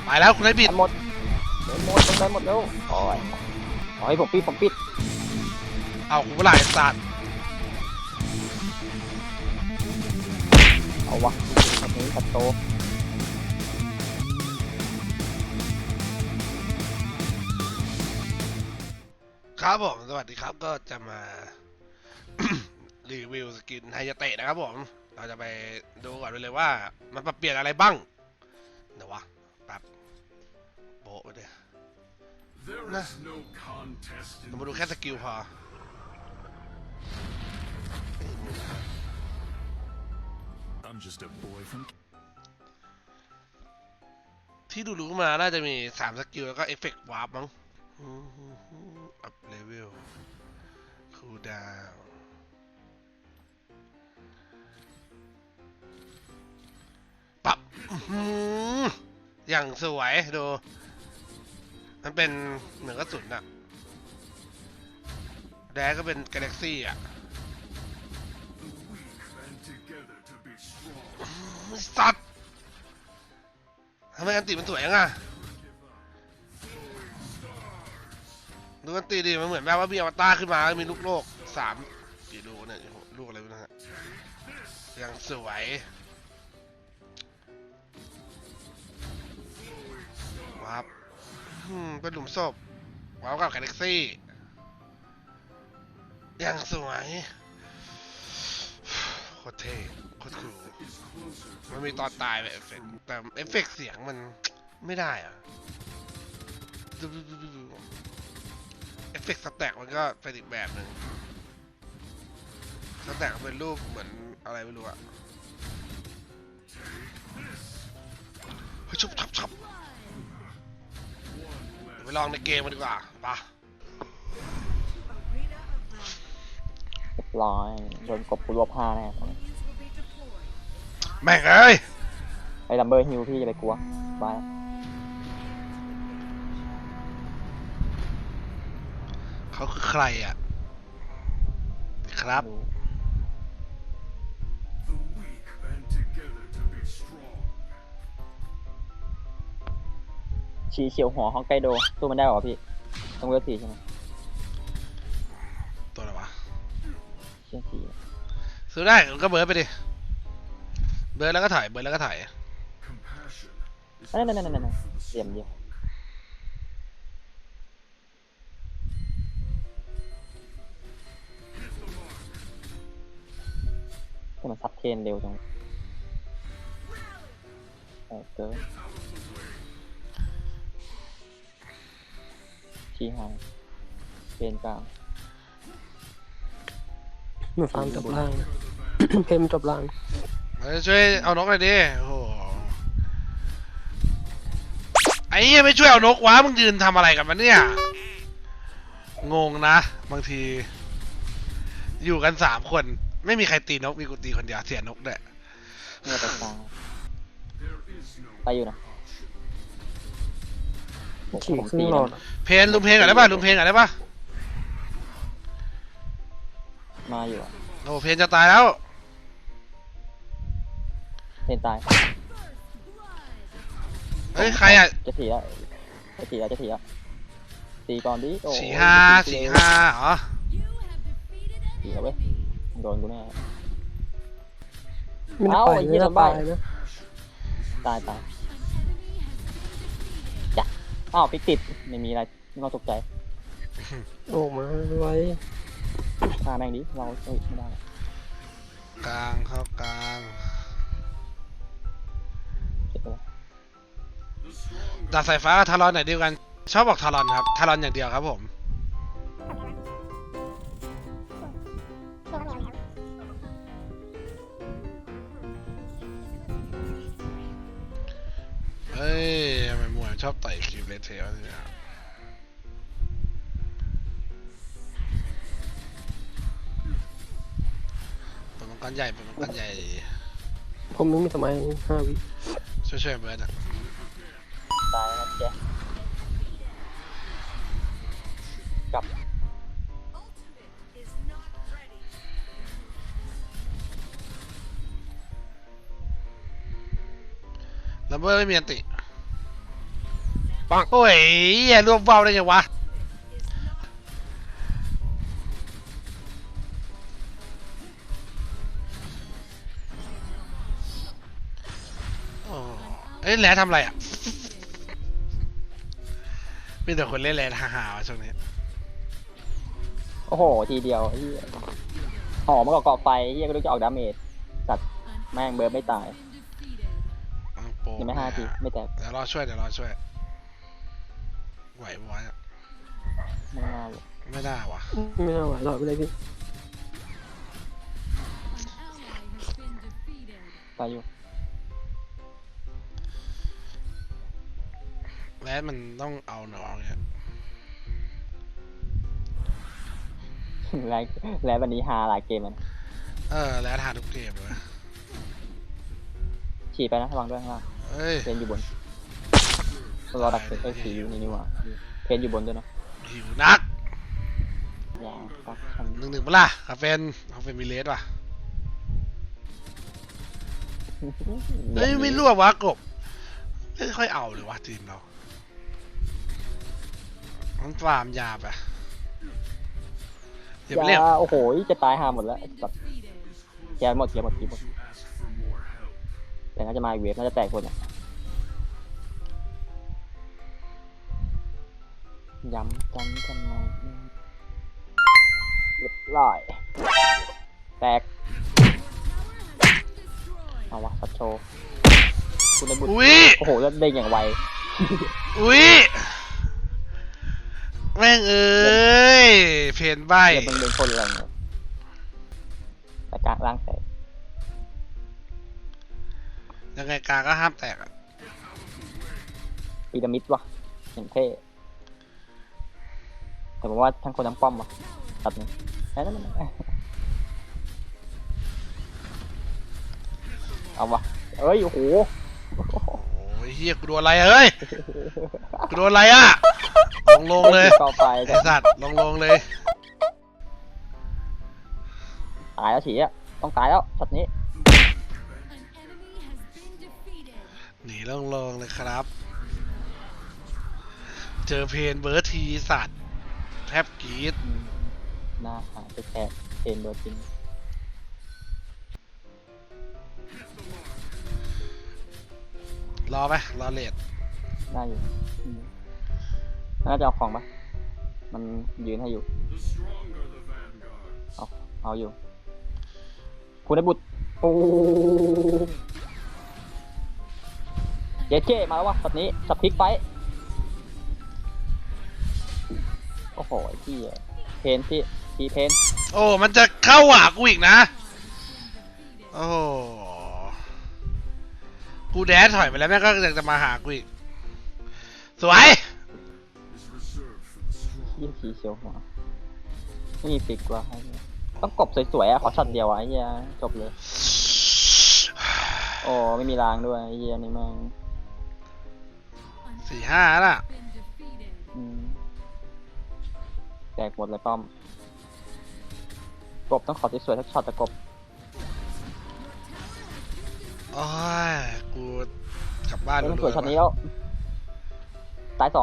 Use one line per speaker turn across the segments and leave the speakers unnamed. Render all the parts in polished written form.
ไปแล้วคุณไอ้บิด
หมดหมดแล้วโอ้ยโอ้ยผมปิด
เอากูหลายสัตว์
เอาวะแบบนี้ตัดโต
ครับผมสวัสดีครับก็จะมา รีวิวสกินไฮยาเตะนะครับผมเราจะไปดูก่อนเลยว่ามันปรับเปลี่ยนอะไรบ้างเดี๋ยววะแบบโบะไปเลยนะเรามาดูแค่สกิลพอที่ดูรู้มาน่าจะมี3สกิลแล้วก็เอฟเฟกต์วาร์ปมั้งอัพเลเวลคูลดาวน์ปรับอย่างสวยดูมันเป็นเหมือนกระสุนอะแดกก็เป็นกาแล็กซี่อะสัตว์ทำไมอันติมันสวยยังอะดูอันติดิมันเหมือนแบบว่ามีอวตารขึ้นมามีลูกโลก3กี่ลูกเนี่ยลูกอะไรนะฮะยังสวยว้าวเป็นหลุมศพว้าวกับกาแล็กซี่ยังสวยโคตรเท่โคตรคูลมันมีตอนตายแบบเอฟเฟกต์แต่เอฟเฟกต์เสียงมันไม่ได้อะเอฟเฟกต์สแต็กมันก็เป็นอีกแบบหนึ่งสแต็กเป็นรูปเหมือนอะไรไม่รู้อะเฮ้ยชับไปลองในเกมกันดีกว่าป่ะ
ร้อยโดนกบกูรัวผ้าแน่
แม่งเอ้ย
ไอ้ลัมเบอร์ฮิวพี่อย่าไปกลัวไป
เขาคือใครอ่ะครับ
ชีเขียวหัวฮอกไกโดสู้มันได้หรอพี่ต้องเวล4ใช่ไหม
ตัวอะไรวะ
เชี่ย4
ซื้อได้ก็เบิร์ดไปดิเบิร์ดแล้วก็ถ่ายเบิร์ดแล้วก็ถ่าย
นั่นเสียมเดียวให้มันซับเทนเร็วจังเกินชี้หางเป็นกลาง
มาฟาร์มจบล่าง เพมจบล่าง
ช่วยเอานกหน่อยดิโอ้โหไอ้ยังไม่ช่วยเอานกวะมึงยืนทำอะไรกันมันเนี่ยงงนะบางทีอยู่กัน3 คนไม่มีใครตีนกมีกูตีคนเดียวเสียนกด้วย
เนี่ยไปกลางไปอยู่นะ
ขี่ครึ่งหลอด
เพนลุมเพนก่อนได้ป่ะลุมเพนก่อนได้ป่ะ
มาอยู่
โอ้เพนจะตายแล้ว
เพนตาย
เฮ้ยใครอ่ะ
จะถีแล้วตีก่อนดิ
45เหรอ
ถีแล้วเว้ยโดนกูแน่
ไม่ได้ไปนะ
ตายจ้ะอ้าวปิกติดไม่มีอะไรไม่ต้องตกใจ
โอ้มาไว้
ฆ่าแม่งดิเราไม่ได้
กลางเข้ากลางดาบสายฟ้ากับทารอนไหนเดียวกันชอบบอกทารอนครับทารอนอย่างเดียวครับผมเฮ้ยทำไมมวยชอบต่อยคลิปเลเทลเนี่ยเป็นมังกรใหญ่
ผมนึกไม่ทำไม5 วิ
ช่วยเบิร์ดอะ
ตายแล้วแกกลับ
ลัมเบอร์ไม่มีอันติ
ปัง
โอ้ยอย่ารวบเบาได้ไงวะโอ้เอ้ยแหล้วทำอะไรอ่ะมีแต่คนเล่นแหล้วฮ่าๆวะช่วงนี้
โอ้โหทีเดียวไอ้เหี้ยหอมมากับเกาะไฟไอ้เหี้ยก็รู้จะออกดาเมจสัตว์แม่งเบิร์ดไม่ตาย
โปร
ยังไม่5 ทีไม่แตก
เดี๋ยวรอช่วยไหวปะวะเนี่ย
ไม่น่าเลย
ไม่ได้วะ
ไม่เอาไหวหรอกไปเลยพี่
ตายอยู่
แล้วมันต้องเอาหนองเนี่ย
แล้ววันนี้ฮาหลายเกมมัน
แล้วทานทุกเกมเลย
ฉีดไปนะระวังด้วยข้างล่าง
เอ้ย
เพนอยู่บนรอดักเพนผีอยู่นี่นี่หว่าเพนอยู่บนด้วยนะ
หิวนัก
อย่าปักฉัน
หนึ่งปะล่ะคาเฟนมีเลสว่ะเฮ้ยไม่รั่ววะกบไม่ค่อยเอาเลยวะทีมเรามันฟาร์มยาไปอย่าไปเรียก
อย่าโอ้โหจะตายหาหมดแล้วแบบแกหมดแต่น่าจะมาอีกเวฟน่าจะแตกคนอ่ะย้ำกันทำไมเรียบร้อยแตกเอาวะสัตว์โชว์คุณได้บุญ
อุ้ย
โอ้โหแล้วเด้งอย่างไว
อุ้ยแม่งเอ้ยเพนใบ
แล้วมันเป็นคนแรงเลยแต่กลางล่างแตก
ยังไงกลางก็ห้ามแตกอะ
พีระมิดวะเห็นเท่แต่ผมว่าทั้งคนทั้งป้อมวะตัดนี่นั่นเอาวะเอ้ยโอ้โห
โอ้ยเฮียกูโดนอะไรเฮ้ยกูโดนอะไรอะลงเลย
ต่อไป
ไอสัตว์ลงเลย
ตายแล้วฉีอ่ะต้องตายแล้วช็อตนี้
หนีลงเลยครับ เจอเพนเบิร์ดทีสัตว์แทบกรีด
หน้าหายไปแทะเทนโดนจริง
รอไปรอเลด
ได้อยู่น่าจะเอาของปะมันยืนให้อยู่เอาอยู่คุณได้บุตรโอ้เจ๊มาแล้ววะช็อตนี้ช็อตพลิกไปโอ้โหที่เพนที่เพน
โอ้มันจะเข้าหากูอีกนะโอ้โหกูแดนถอยไปแล้วแม่งก็ยังจะมาหากูอีกสวย
ยิ่งสีเชียวหัวไม่มีฟิกว่ะต้องกบสวยๆอ่ะขอช็อตเดียวอ่ะไอ้เหี้ยจบเลยโอ้ไม่มีรางด้วยไอ้เหี้ยนี่แม่ง
4-5น่ะ
แตกหมดเลยป้อมกบต้องขอสวยๆสักช็อตแต่กบ
โอ้ยกูกลับบ้าน
มันสวยช็อตนี้แล้วตาย2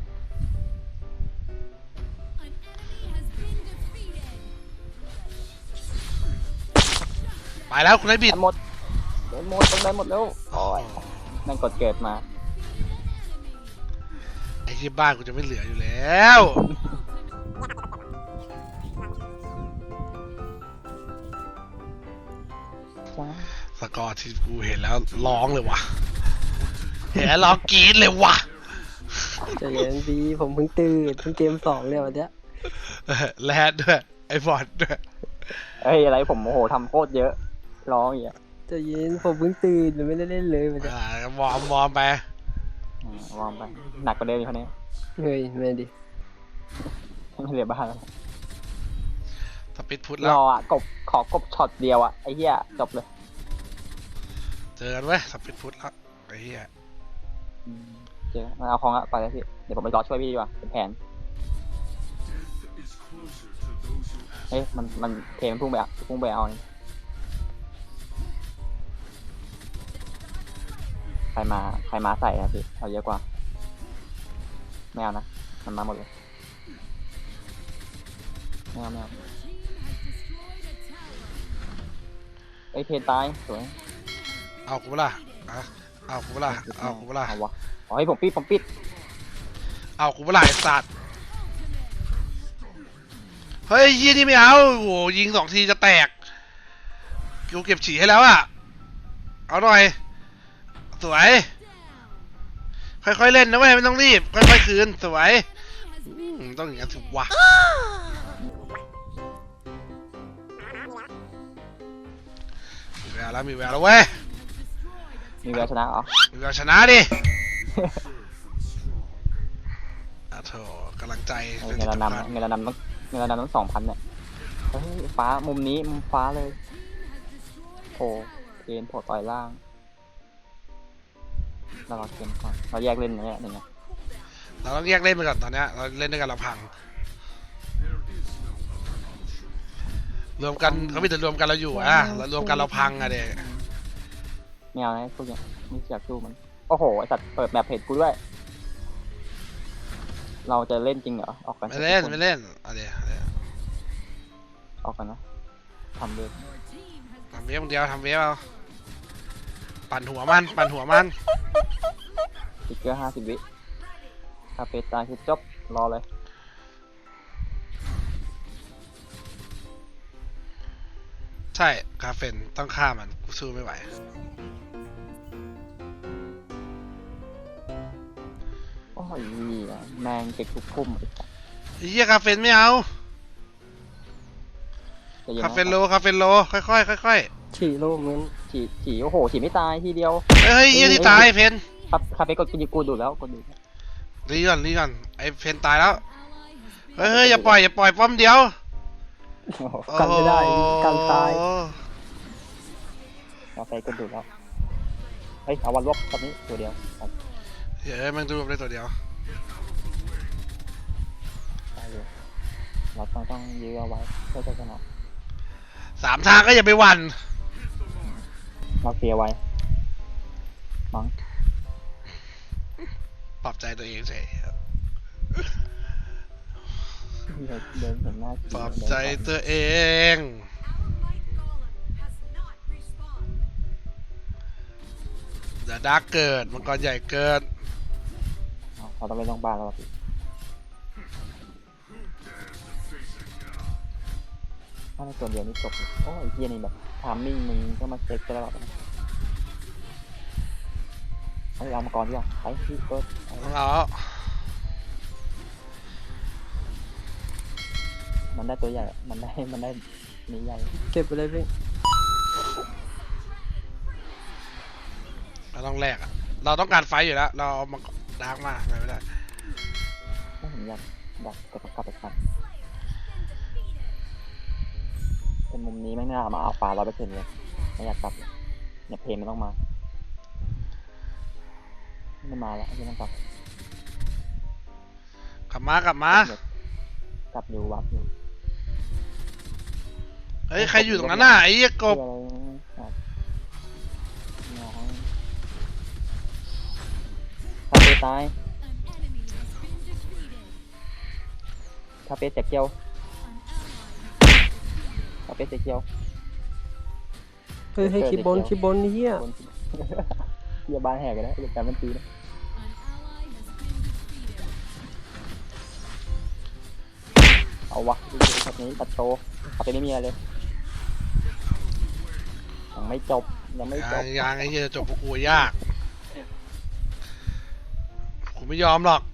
ไปแล้วคุณได้บิด
หมดต้องได้หมดแล้วโอ้ยนั่นกดเกิดมา
ไอ้ที่บ้านกูจะไม่เหลืออยู่แล้ว
จ้า
สกอร์ที่กูเห็นแล้วร้องเลยว่ะเห็นแล้วร้องกรี๊ดเลยว่ะ
ใจเย็นพี่ผมเพิ่งตื่นเพิ่งเกม2เลยวันเนี้ย
แรดด้วยไอ้บอดด้วย
เฮ้ยอะไรผมโอ้โหทำโคตรเยอะร้องอย่างเงี้ย
ใจเย็นผมเพิ่งตื่นไม่ได้เล่นเลยวันเนี้ยว
อร์มไป
วอร์มไปหนักกว่าเดิมอีกคนนี้
เฮ้ยไม่ดิ
ไม่เหลือบ้านแล้ว
สปิดพุทธ
ร
แล้ว
ออ่ะขอกบช็อตเดียวอ่ะไอ้เหี้ยจบเลย
เจอกันเว้ยสปิดพุทธแล้วไอ้เหี้ย
เจอมันเอาของอะไปเลยพี่เดี๋ยวผมไปรอช่วยพี่ดีกว่าเป็นแผนเฮ้ยมันเทมันพุ่งไปอ่ะพุ่งไปเอานี่ใครมาใส่นะพี่เอาเยอะกว่าไม่เอานะมันมาหมดเลยไม่เอาไม่เอาไอ้ยเพนตายสวย
เอากูเปะล่าอะเอากูเปะล่าเอากูเปะล่า
เอาวะเอาให้ผมปิด
เอากูเปะล่าไอ้สัตว์เฮ้ยยี่นี่ไม่เอาโอ้โหยิง2 ทีจะแตกกูเก็บฉี่ให้แล้วอะเอาหน่อยสวยค่อยๆเล่นนะเว้ยไม่ต้องรีบค่อยๆคืนสวยต้องอย่างนั้นถูกวะมีแววแล้วมีแววแล้วเว้ย
มีแววชนะเหรอ
มีแววชนะดิอ่ะโถกำลังใจเป็น
เงิน
สิ่ง
เรา
สำคัญ
นำเงินเรานำต้อง2,000เนี่ยเฮ้ยฟ้ามุมนี้มุมฟ้าเลยโอ้เอ็นโผล่ต่อยล่างเราเกมก่อนเราแยกเล่นนะเนี่ยหนึ่งอะ
เราต้องแยกเล่นไปก่อนตอนเนี้ยเราเล่นด้วยกันเราพังรวมกันเขาไม่แต่รวมกันเราอยู่อะเรารวมกันเราพังอะเด็ก
ไม่เอานะพวกเนี้ยไม่อยากสู้มันโอ้โหไอสัตว์เปิดแมปเพจกูด้วยเราจะเล่นจริงเหรอออกกัน
ไม่เล่นไม่เล่นเอาเดี๋ยว
ออกกันนะทำเลย
ทำเวฟคนเดียวทำเวฟเอาปั่นหัวมันปั่นหัวมัน
ติ๊กเกอร์50 วิถ้าเพจตายคือจบรอเลย
ใช่คาเฟนต้องฆ่ามันกูสู้ไม่ไหว
โอ้ยแมงเก็กทุกพุ่มไอ้สัตว์
ไอ้เหี้ยคาเฟนไม่เอา
ใจเย็น
คา
นะ
เฟนโลค่อยๆค่อย
ฉี่โลกนั้น
ฉี่โอ้โหฉี่ไม่ตายทีเดียว
ๆเฮ้ยเหี้ยที่ตายเพน
ครับคาเฟ่กูดูแล้วกูดู
รีก่อนไอ้เพนตายแล้วเฮ้ยอย่าปล่อยป้อมเดียว
กันไม่ได้กันตาย
โอ้โห
คาเฟ่กูดูแล้วเฮ้ยเอาวันลบตอนนี้ตัวเดียวครับ
เฮ้ยมันดูได้ตัวเดียว
ได้อยู่เราต้องยื้อเอาไว้เพื่อจะชนะ
3 ทางก็อย่าไปหวั่น
เราเคลียร์ไว้มั้ง
ปรับใจตัวเองเฉย
เดินเห็นหน้า
ปรับใจตัวเอง เดี๋ยวดาร์กเกิดมังกรใหญ่เกิด
เราต้องไปโรงพยาบาลแล้วพี่ถ้าในส่วนเดียวนี่จบเลยโอ้ยเฮียนี่แบบทามมิ่งมึงก็มาเช็คตลอดนะเอามังกรดีกว่าไปพี่เปิด
ของเรา
มันได้ตัวใหญ่มันได้นี้ใหญ่
เก็บไปเลยพี่
เราต้องแลกอะเราต้องการไฟอยู่แล้ว เราเอามังกรดาร์กมาไม่ได้
ถ้าผมอยากจะกลับไปกันเป็นมุมนี้ไม่น่ามาเอาปลา100%เลยไม่อยากกลับเลยเนี่ยเพลงมันต้องมาไม่มาแล้วไม่ต้องกลับ
กลับมากลับมา
กลับอยู่วัดอยู่
เฮ้ยใครอยู่ตรงนั้นน่ะไอ้เหี้ยกบ
อะไรครับน้องคาเฟ่ตายคาเฟ่เจ็กเกียวคาเฟ่เจ็กเกียว
เฮ้ยให้คลิปบนนี่เฮีย
คนเฮียบ้านแหกกันแล้วแต่มันตีนะเอาวะแบบนี้ตัดโชว์คาเฟ่ไม่มีอะไรเลยยังไม่จบยังไม่จบ
ยังไอ้เหี้ยจบพวกกูยากกูไม่ยอมหรอก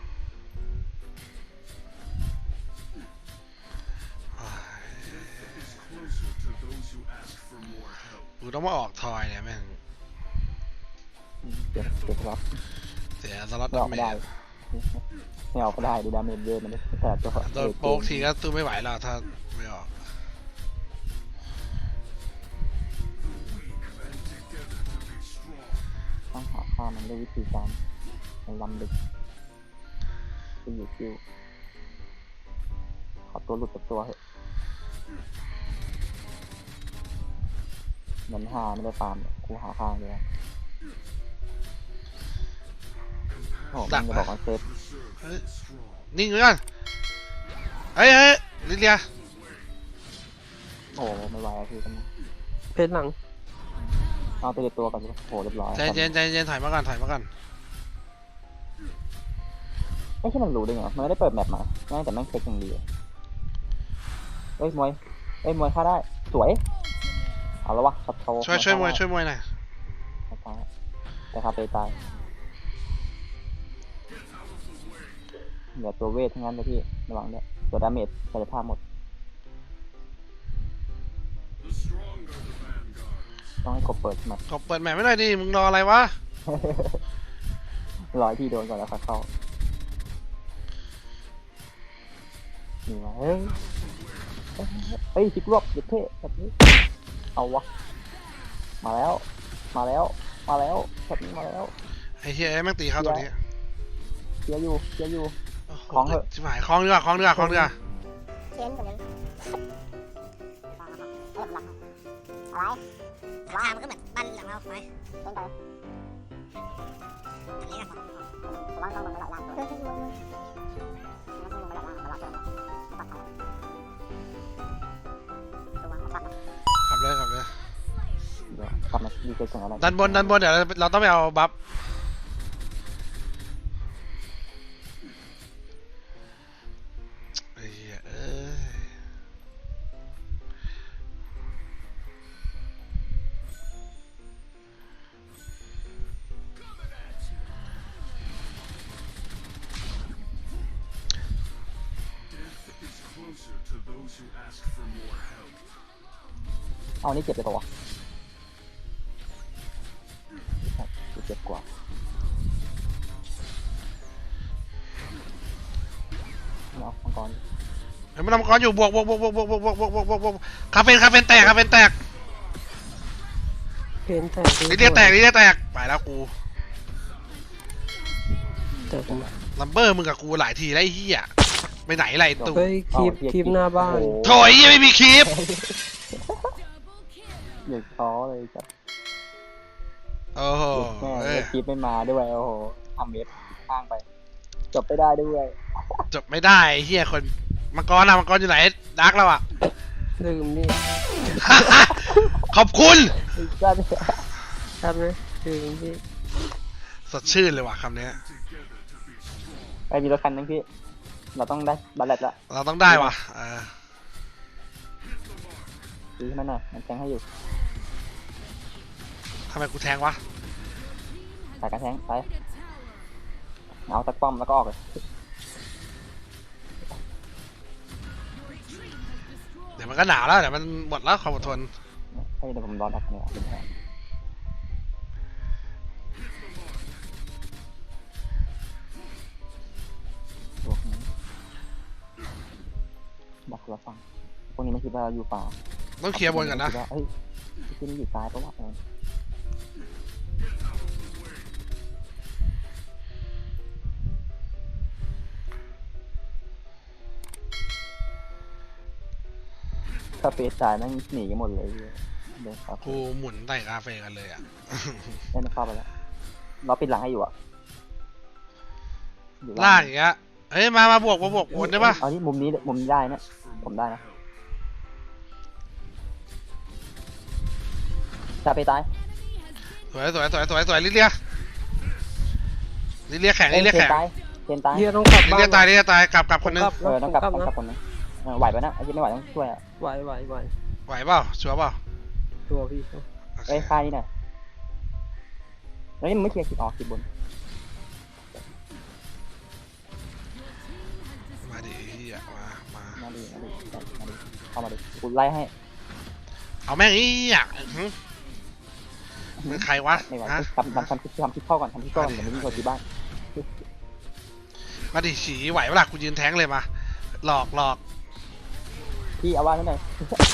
กูต้องมาออกทอยเนี่ยแม่ง
เก็บรับ
เสียสล็อต
ไม่ออก
เม
ไม่ได้
จ
ไม่ออกก็ได้ดูดาเมจเยอะมันแต่ตัว
โดนโป๊กทีก็สู้ไม่ไหวแล้วถ้าไม่ออก
ต้องหาฆ่ามันด้วยวิธีการมันลำลึกไปอยู่คิวขอตัวหลุดจากตัวเถอะเหมือนหาไม่ได้ฟาร์มกูหาข้างเลยโอ้โหมันจะบอกว่าเซฟ
เฮ้ยนิ่งไว้ก่อนเฮ้ยลิเลีย
โอ้ไม่ไหวแล้วพี่กัน
เพชรหลัง
เอาตัวเด็ดตัวก่อนโอ้เรียบร้อย
ใจเย็นใจเย็นถอยมาก่อนถอยมาก่อน
ไม่ใช่มันรู้ได้ไงมันไม่ได้เปิดแมปมาแม่งแต่แม่งเช็คอย่างดีเฮ้ยมวยมวยฆ่าได้สวยเอาแล้ววะช็อตโชว์
ช่วยมวยช่วยมวยหน่อย
ตายแต่คาเฟ่ตายเหลือตัวเวททั้งนั้นเลยพี่ระวังด้วยตัวดาเมจกายภาพหมดต้องให้กบเปิดมา
ขอเปิดแมปไม่หน่อยดิมึงรออะไรวะ
ร้อยที่โดนก่อนแล้วค่อยเข้านี่มาเฮ้ยพลิกรอบเด็ดเท่แบบนี้เอาวะมาแล้วแบบนี้มาแล้ว
ไอ้เหี้ยแม่งตีเข้าตัวนี้
เชียร์อยู่
โโห
ของเถอะ
ชิบหายคล้องดีกว่าคล้องดีกว่าคล้องดีกว่า
เช่นกันอะไรว้าวมันก็เหมือนบ้านหลังเราไหมเป็นไงอันนี้กันผมว่าต้องลงมาหลายล้านตัวต้องลงมาหลายล้านตัว
ขับเลย
เดี๋ยวกลับมาดีเจก่อนอะไร
ดันบนเดี๋ยวเราต้องไปเอาบัฟไอ้เหี้ย
เอานี่เจ็บเลยปะวะเจ็บกว่าเอามังกร
เฮ้ยมันทำก้อนอยู่บวกคาเฟนแตก
เพนแตก
ลิเลียแตกไปแล้วกู
แต่ผม
ลัมเบอร์มึงกับกูหลายทีแล้วไอ้เหี้ยไปไหนไรตู่
เฮ้ยคลิปหน้าบ้าน
โถยยังไม่มีคลิป
เด็กท้อเลยจ้ะ
โอ้โห
แม่เด็กคลิปไม่มาด้วยโอ้โหทำเว็บข้างไปจบไม่ได้ด้วย
จบไม่ได้ไอ้เหี้ยคนมังกรอยู่ไหนดักแล้วอ่ะ
ลืมนี่
ขอบคุณ
จ้า
ครับไหมลืมพี่
สดชื่นเลยว่ะคำนี้
ไปมีรถคันนึงพี่เราต้องได้บัลเลตละ
เราต้องได้ว่ะ
ซื้อให้มันหน่อยมันแทงให้อยู่
ทำไมกูแทงวะ
สายกระแทงไปเอาตะป้อมแล้วก็ออกเลย
เดี๋ยวมันก็หนาวแล้วเดี๋ยวมันหมดแล้วความอดทน
ให้เดี๋ยวผมรอดักเนี่ยเป็นแผนดักเราฟังพวกนี้ไม่คิดว่าเราอยู่ป่า
ต้องเคลียร์บนก่อนนะ
เฮ้ยที่นี่อยู่ซ้ายเพราะว่าคาเฟ่ตายนั่งหนีกันหมดเลยเดินครับ
กูหมุนใต้คาเฟ่กันเลยอ่ะ
ได้ไม่เข้าไปแล้วเราปิดหลังให้อยู่อ่ะอยู่
ลากอย่างเงี้ยเฮ้ยมาบวกบนได้ปะ
เอาที่มุมนี้ได้นะผมได้นะคาเฟ่ตาย
สวยลิเลียแข็ง
เทนตาย
เฮียต้องกลับ
ลิ
บ้า
เลี
น
ยตายกลับคนนึง
ต้องกลับคนนึงไหวปะนะไอ้ที่ไม่ไหวต้องช่วยอ่ะ
ไหว
ไหวเปล่าชัวร์เปล่า
ตัวพี่
เอ้ยค่านี่หน่อยแล้วนี่มึงไม่เคลียร์คิดออกคิดบน
มาดิเฮียมา
มาดิเข้ามาดิกูไล่ให้
เอาแม่งอีอ่ะมึงใครวะ
ไม่ไหว
ฮะ
ทำคลิปเข้าก่อนเดี๋ยวไม่มีคนที่บ้าน
มาดิฉีไหวเวลากูยืนแทงเลยมาหลอก
พี่เอาว่าให้หน่อย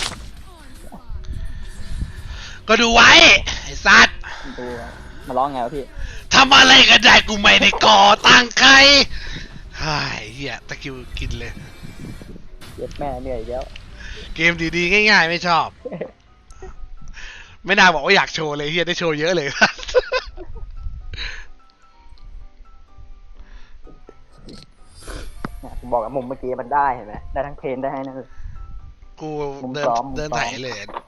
ก็ดูไว้ไอ้สัตว์
ดูมาร้องไงวะพี่
ทำอะไรก็ได้กูไม่ได้ก่อตั้งใครไอ้เหี้ยตะคิวกินเลย
เจ็บแม่เหนื่อยอีกแล้ว
เกมดีๆง่ายๆไม่ชอบ ไม่น่าบอกว่าอยากโชว์เลยเฮียได้โชว์เยอะเลย
เนี่ยผมบอกว่ามุมเมื่อกี้มันได้เห็นไหมได้ทั้งเพนได้ให้นั่นเลย
กู
มุม
เดิน
ซ้อมมุม
เดิน
ซ้อม
ไถเลย